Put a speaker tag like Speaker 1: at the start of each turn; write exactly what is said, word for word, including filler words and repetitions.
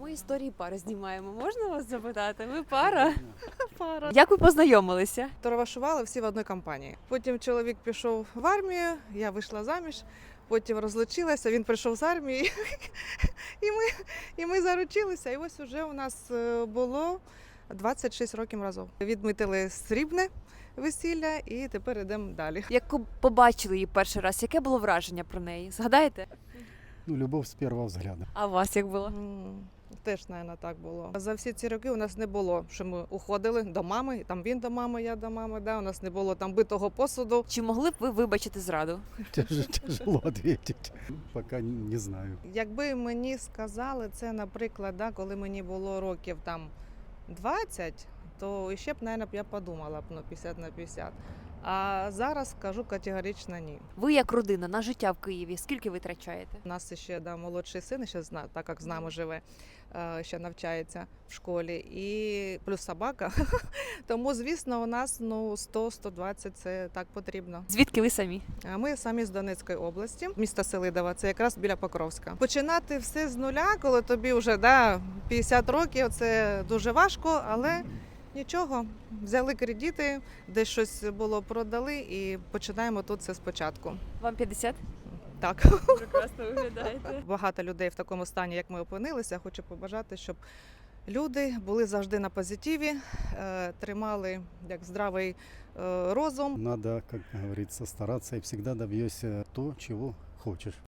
Speaker 1: ми історії пари знімаємо. Можна вас запитати? Ви пара?
Speaker 2: Пара.
Speaker 1: Як ви познайомилися?
Speaker 2: Товаришували всі в одній компанії. Потім чоловік пішов в армію, я вийшла заміж, потім розлучилася, він прийшов з армії, і ми, і ми заручилися. І ось уже у нас е, було двадцять шість років разом. Відмітили срібне весілля і тепер йдемо далі.
Speaker 1: Як побачили її перший раз, яке було враження про неї? Згадаєте?
Speaker 3: Ну, любовь с первого взгляда.
Speaker 1: А у вас як було?
Speaker 2: М, Теж, мабуть, так було. За всі ці роки у нас не було, що ми уходили до мами, і там він до мами, я до мами. Да? У нас не було там битого посуду.
Speaker 1: Чи могли б ви вибачити зраду?
Speaker 3: Тяж- Тяжело ответить. Пока не знаю.
Speaker 2: Якби мені сказали це, наприклад, да, коли мені було років там двадцять, то ще б, мабуть, я подумала б ну, п'ятдесят на п'ятдесят. А зараз скажу категорично ні.
Speaker 1: Ви як родина на життя в Києві, скільки ви витрачаєте?
Speaker 2: У нас ще да, молодший син, ще зна, так як з нами живе, е, ще навчається в школі, і плюс собака. Тому, звісно, у нас ну, сто - сто двадцять це так потрібно.
Speaker 1: Звідки ви самі?
Speaker 2: А Ми самі з Донецької області, місто Селидове, це якраз біля Покровська. Починати все з нуля, коли тобі вже да, п'ятдесят років, це дуже важко, але нічого. Взяли кредити, десь щось було продали і починаємо тут все спочатку.
Speaker 1: Вам п'ятдесят?
Speaker 2: Так.
Speaker 1: Прекрасно виглядаєте.
Speaker 2: Багато людей в такому стані, як ми опинилися. Хочу побажати, щоб люди були завжди на позитиві, е, тримали як здравий е, розум.
Speaker 3: Надо, как говорится, стараться и всегда добьешься то, чего хочешь.